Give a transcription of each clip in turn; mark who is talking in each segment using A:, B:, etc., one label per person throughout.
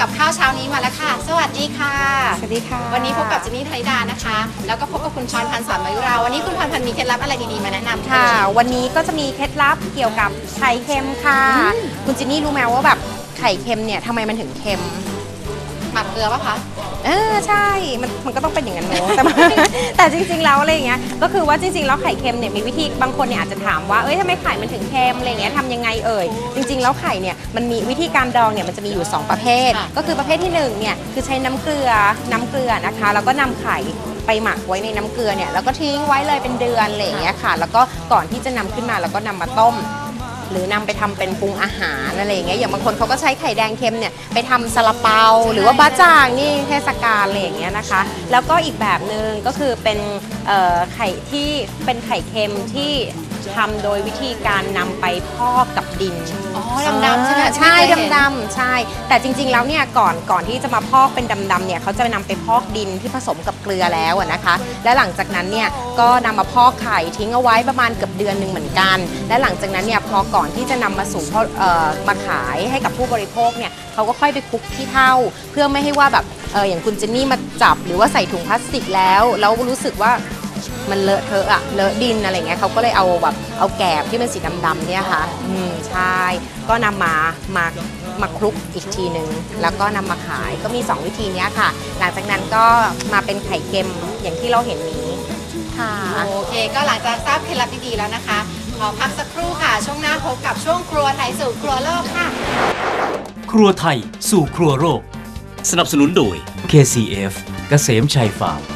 A: กับข้าวเช้านี้มาแล้วค่ะสวัสดีค่ะ
B: สวัสดีค่ะ
A: วันนี้พบกับเจนนี่ธนิดานะคะแล้วก็พบกับคุณพรพันธ์สอนมายุราวันนี้คุณพรพันธ์มีเคล็ดลับอะไรดีๆมาแนะนำ
B: ค่ะวันนี้ก็จะมีเคล็ดลับเกี่ยวกับไข่เค็มค่ะคุณจินนี่รู้ไหมว่าแบบไข่เค็มเนี่ยทำไมมันถึงเค็ม
A: หมักเกลือป่ะคะ
B: ใช่มันก็ต้องเป็นอย่างนั้นเนอะแต่จริงๆแล้วอะไรอย่างเงี้ยก็คือว่าจริงๆแล้วไข่เค็มเนี่ยมีวิธีบางคนเนี่ยอาจจะถามว่าทำไมไข่มันถึงเค็มอะไรอย่างเงี้ยทำยังไงจริงๆแล้วไข่เนี่ยมันมีวิธีการดองเนี่ยมันจะมีอยู่2ประเภทก็คือประเภทที่1เนี่ยคือใช้น้ำเกลือนะคะแล้วก็นำไข่ไปหมักไว้ในน้ำเกลือเนี่ยแล้วก็ทิ้งไว้เลยเป็นเดือนอะไรอย่างเงี้ยค่ะแล้วก็ก่อนที่จะนำขึ้นมาแล้วก็นำมาต้มหรือนำไปทำเป็นปรุงอาหารอะไรอย่างเงี้ยอย่างบางคนเขาก็ใช้ไข่แดงเค็มเนี่ยไปทำซาลาเปาหรือว่าบะจ่างนี่เทศกาลอะไรอย่างเงี้ยนะคะแล้วก็อีกแบบหนึ่งก็คือเป็นไข่ที่เป็นไข่เค็มที่ทำโดยวิธีการนำไปพอกกับดิน
A: ดำๆใช่ไหม
B: ใช่ดำๆใช่แต่จริงๆแล้วเนี่ยก่อนที่จะมาพอกเป็นดำๆเนี่ยเขาจะนำไปพอกดินที่ผสมกับเกลือแล้วนะคะและหลังจากนั้นเนี่ยก็นำมาพอกไข่ทิ้งเอาไว้ประมาณเกือบเดือนหนึ่งเหมือนกันและหลังจากนั้นเนี่ยพอก่อนที่จะนำมาสู่มาขายให้กับผู้บริโภคเนี่ยเขาก็ค่อยไปคลุกขี้เถ้าเพื่อไม่ให้ว่าแบบอย่างคุณเจนนี่มาจับหรือว่าใส่ถุงพลาสติกแล้วรู้สึกว่ามันเลอะเทอะเลอะดินอะไรเงี้ยเขาก็เลยเอาแกบที่เป็นสีดำๆเนี่ยค่ะใช่ก็นำมาคลุกอีกทีนึงแล้วก็นำมาขายก็มี2วิธีนี้ค่ะหลังจากนั้นก็มาเป็นไข่เค็มอย่างที่เราเห็นนี้ค่ะ
A: โอเคก็หลังจากทราบเคล็ดลับดีๆแล้วนะคะขอพักสักครู่ค่ะช่วงหน้าพบกับช่วงครัวไทยสู่ครัวโลกค่ะ
C: ครัวไทยสู่ครัวโลกสนับสนุนโดย KCF เกษมชัยฟาร์ม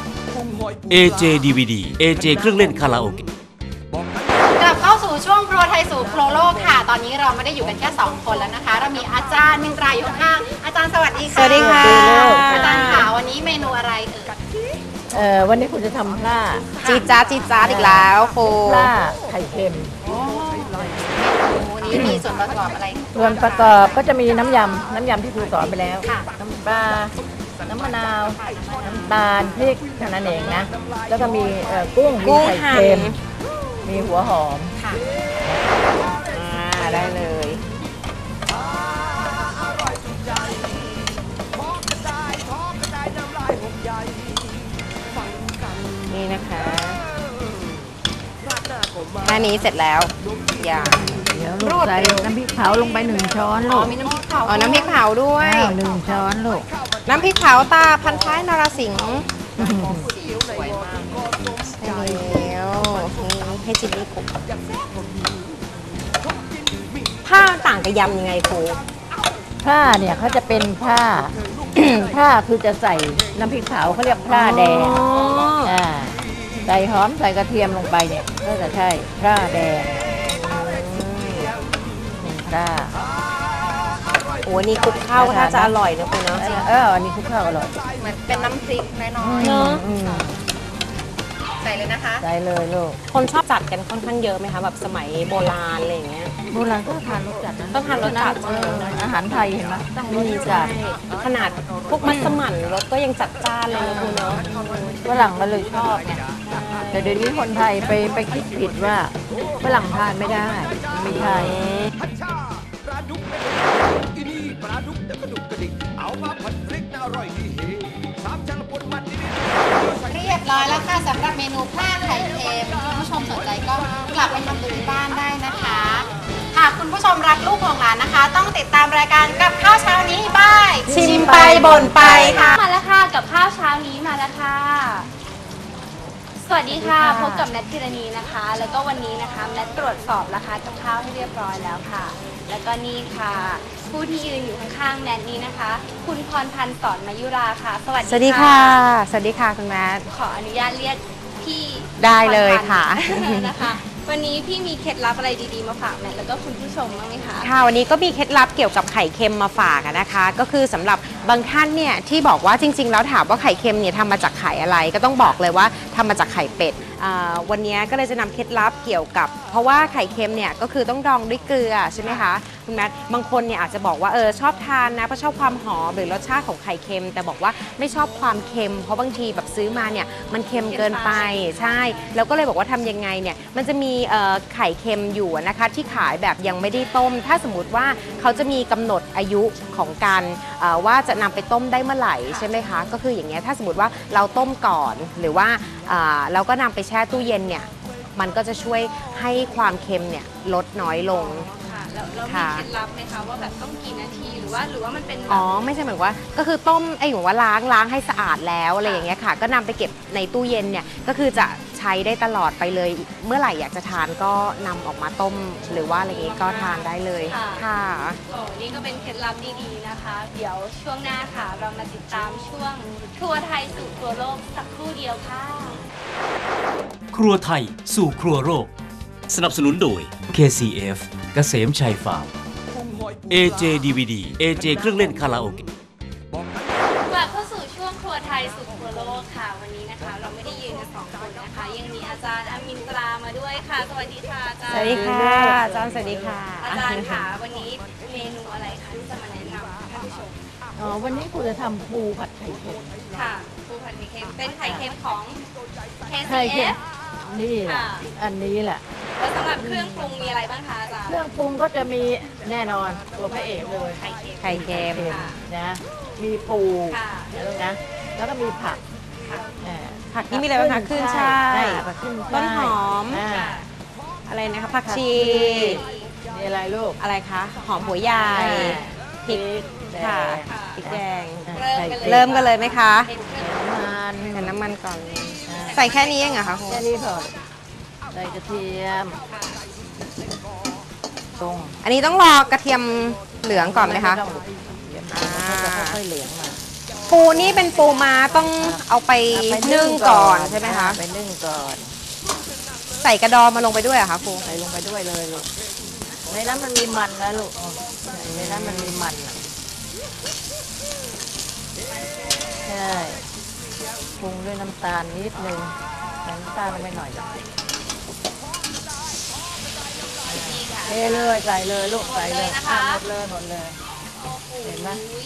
C: AJ DVD AJ เครื่องเล่นคาราโอเกะ
A: กลับเข้าสู่ช่วงครัวไทยสู่ครัวโลกค่ะตอนนี้เราไม่ได้อยู่กันแค่2คนแล้วนะคะเรามีอาจารย์มินตราอยู่ข้างอาจารย์สวัสดีค่ะ
B: สวัสดีค่ะ
A: อาจารย์ค่ะวันนี้เมนูอะไร
D: วันนี้คุณจะทำปลา
B: จีจ้าอีกแล้วครู
D: ปลาไข่เค็ม
A: นี้มีส่วนประกอบอะไร
D: ส่วนประกอบก็จะมีน้ำยำที่ครูสอนไปแล้วน้ำปลาน้ำมะนาวน้ำตาลพริกเท่านั้นเองนะแล้วก็มีกุ้งมีไข่เค็มมีหัวหอม
A: ค่ะ
B: ได้เลยนี่นะคะแค่นี้เสร็จแล้ว
D: เดี๋ยวลูกใส่น้ำพริกเผาลงไป1 ช้อนลูก
A: มีน้ำพริกเผา
B: น้ำพริกเผาด้วย
D: 1 ช้อนลูก
B: น้ำพริกเผาตาพันท้ายนรสิงห์
A: สวยมาก
B: ใช่แล้วให้จินนี่คลุกผ้าต่างกับยำยังไงครู
D: ผ้าเนี่ยเขาจะเป็นผ้า ผ้าคือจะใส่น้ำพริกเผาเขาเรียกผ้าแดงใส่หอมใส่กระเทียมลงไปเนี่ยก็จะใช่ผ้าแดงผ้า
B: โอ้นี่คลุกข้าวก็น่าจะอร่อยนะคุณเนาะ
D: อันนี้คลุกข้าวอร่อย
A: เหมือนเป็นน้ำพริกน้อยๆเนาะใส่เลยนะคะ
D: ใส่เลยลูก
B: คนชอบจัดกันค่อนข้างเยอะไหมคะแบบสมัยโบราณอะไรอย่างเงี้ย
D: โบราณก็ทานรสจัดนะ
B: ต้องทานรสจัด
D: อาหารไทยเห็นไหม
B: มีจัดขนาดพวกมัสมั่นรสก็ยังจัดจ้านเลยนะคุณเนาะ
D: ฝรั่งก็เลยชอบไงแต่เดี๋ยวนี้คนไทยไปคิดผิดว่าฝรั่งทานไม่ได้ไม่ใช่
A: เรียบร้อยแล้วค่ะสำหรับเมนูปลาไข่เค็มคุณผู้ชมสนใจก็กลับไปทำดูที่บ้านได้นะคะหากคุณผู้ชมรักลูกของหลานนะคะต้องติดตามรายการกับข้าวเช้านี้บาย
B: ชิมไปบ่นไปค่ะ
A: มาแล้วค่ะกับข้าวเช้านี้มาแล้วค่ะสวัสดีค่ะพบกับแนทธีรณีนะคะแล้วก็วันนี้นะคะแนทตรวจสอบราคากับข้าวให้เรียบร้อยแล้วค่ะแล้วก็นี่ค่ะผู้ที่ยืนอยู่ข้างๆแนทนี้นะคะคุณพรพันธ์สอนมายุราค่ะสวัสดีค่ะ
B: สวัสดีค่ะคุณแม่
A: ขออนุญาตเรียกพี่
B: ได้เลยค่ะ
A: นะคะวันนี้พี่มีเคล็ดลับอะไรดีๆมาฝากแนทแล้วก็คุณผู้ชมบ้างไหมคะ
B: ค่ะวันนี้ก็มีเคล็ดลับเกี่ยวกับไข่เค็มมาฝากนะคะก็คือสำหรับบางท่านเนี่ยที่บอกว่าจริงๆแล้วถามว่าไข่เค็มเนี่ยทำมาจากไข่อะไรก็ต้องบอกเลยว่าทำมาจากไข่เป็ดวันนี้ก็เลยจะนำเคล็ดลับเกี่ยวกับเพราะว่าไข่เค็มเนี่ยก็คือต้องดองด้วยเกลือใช่ไหมคะคุณแมทบางคนเนี่ยอาจจะบอกว่าชอบทานนะเพราะชอบความหอมหรือรสชาติของไข่เค็มแต่บอกว่าไม่ชอบความเค็มเพราะบางทีแบบซื้อมาเนี่ยมันเค็มเกินไปใช่แล้วก็เลยบอกว่าทำยังไงเนี่ยมันจะมีไข่เค็มอยู่นะคะที่ขายแบบยังไม่ได้ต้มถ้าสมมติว่าเขาจะมีกำหนดอายุของการว่าจะนำไปต้มได้เมื่อไหร่ใช่ไหมคะก็คืออย่างเงี้ยถ้าสมมติว่าเราต้มก่อนหรือว่าเราก็นำไปแช่ตู้เย็นเนี่ยมันก็จะช่วยให้ความเค็มเนี่ยลดน้อยลง
A: ค่ะแล้วมีเคล็ดลับไหมคะว่าแบบต้องกี่นาทีหรือว่ามันเป็น
B: ไม่ใช่เหมือนว่าก็คือต้มเหมือนว่าล้างให้สะอาดแล้วอะไรอย่างเงี้ยค่ะก็นำไปเก็บในตู้เย็นเนี่ยก็คือจะใช้ได้ตลอดไปเลยเมื่อไหร่อยากจะทานก็นำออกมาต้มหรือว่าอะไรอย่างงี้ก็ทานได้เลยค่ะ
A: นี่ก็เป็นเคล็ดลับดีๆนะคะเดี๋ยวช่วงหน้าค่ะเรามาติดตามช่วงครัวไทยสู่ครัวโลกสักครู่เดียวค่ะ
C: ครัวไทยสู่ครัวโลกสนับสนุนโดย KCF เกษมชัยฟาร์ม AJ DVD AJ เครื่องเล่นคาราโอเกะ
A: กลับเข้าสู่ช่วงครัวไทยสู่ครัวโลกค่ะวันนี้นะคะเราไม่ได้ยืนกัน2 คนนะคะยังมีอาจารย์อามินตรามาด้วยค่ะสวัสดีค่ะอาจารย์
B: สวัสดีค่ะอาจารย์สวัสดีค่ะ
A: อาจารย์ค่ะวันนี้เมนูอะไรคะที่จะมาแนะนำท่านผู้ชม
D: วันนี้คุณจะทำปูผัดไข่เค็ม
A: ค่ะปูผัดไข่เค็มเป็นไข่เค็มของ
D: KCF นี่แหละอันนี้แหละ
A: แล้วสำหรับเครื่องปรุงมีอะไรบ้างคะอาจารย์
D: เครื่องปรุงก็จะมีแน่นอนตัวพระเอกเลย
B: ไข่เค็ม
D: นะมีปูนะแล้วก็มีผัก
B: ผักนี่มีอะไรบ้างคะขึ้นช่ายต้นหอมอะไรนะคะผักชี
D: มีอะไรลูก
B: อะไรคะหอมหัวใหญ่พริกค่ะพริกแดง
A: เริ่
B: มกันเลยไหมคะ
D: ใส่
B: น้ำมันก่อนใส่แค่นี้เองเหรอคะ
D: แค่นี้พอใส่กระเทียม
B: อันนี้ต้องรอกระเทียมเหลืองก่อนไหมคะ
D: ค่อยเหลืองมา
B: ปูนี่เป็นปูม้าต้องเอาไปนึ่งก่อนใช่ไหมคะ
D: ไปนึ่งก่อน
B: ใส่กระดองมาลงไปด้วยเหรอคะปู
D: ใส่ลงไปด้วยเลยลูกในนั้นมันมีมันนะลูกในนั้นมันมีมันใช่ปรุงด้วยน้ำตาลนิดนึงน้ำตาลไม่หน่อยเทเลยใส่เลยลูกใส่เลยหมดเลยเห็นไหม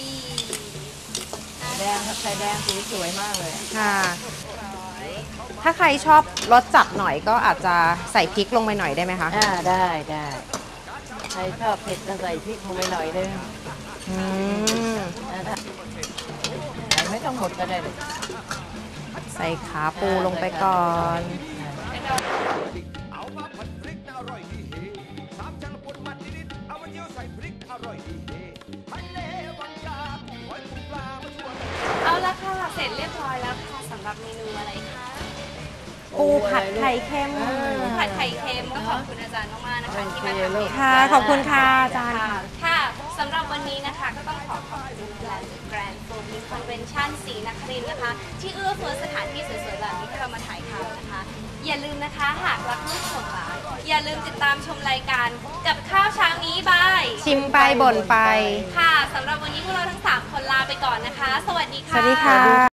D: แดงไข่แดงสีสวยมากเลย
B: ค่ะถ้าใครชอบรสจัดหน่อยก็อาจจะใส่พริกลงไปหน่อยได้ไหมคะ
D: ได้ใครชอบเผ็ดก็ใส่พริกลงไปหน่อยนึงไม่ต้องหมดก็ได้
B: ใส่ขาปูลงไปก่อน
A: เอาละค่ะเสร็จเรียบร้อยแล้วค่ะสำหรับเมนูอะไรคะ
B: ปูผัดไข่เค็ม
A: ผัดไข่เค็มก็ขอบคุณอาจารย์มากๆนะคะที่มาทำเมนู
B: ค่ะขอบคุณค่ะอาจารย์
A: ค่ะสำหรับวันนี้นะคะก็ต้องขอบคุณแกรนด์โฟมิคอนเวนชั่นศรีนครินทร์นะคะที่เอื้อเฟื้อสถานที่สวยๆแบบนี้ให้เรามาถ่ายทำนะคะอย่าลืมนะคะหากรักลูกของหลานอย่าลืมติดตามชมรายการกับข้าวเช้านี้บาย
B: ชิมไปบ่นไป
A: ค่ะสำหรับวันนี้พวกเราทั้ง3 คนลาไปก่อนนะคะสวัสดีค่ะ
B: สวัสดีค่ะ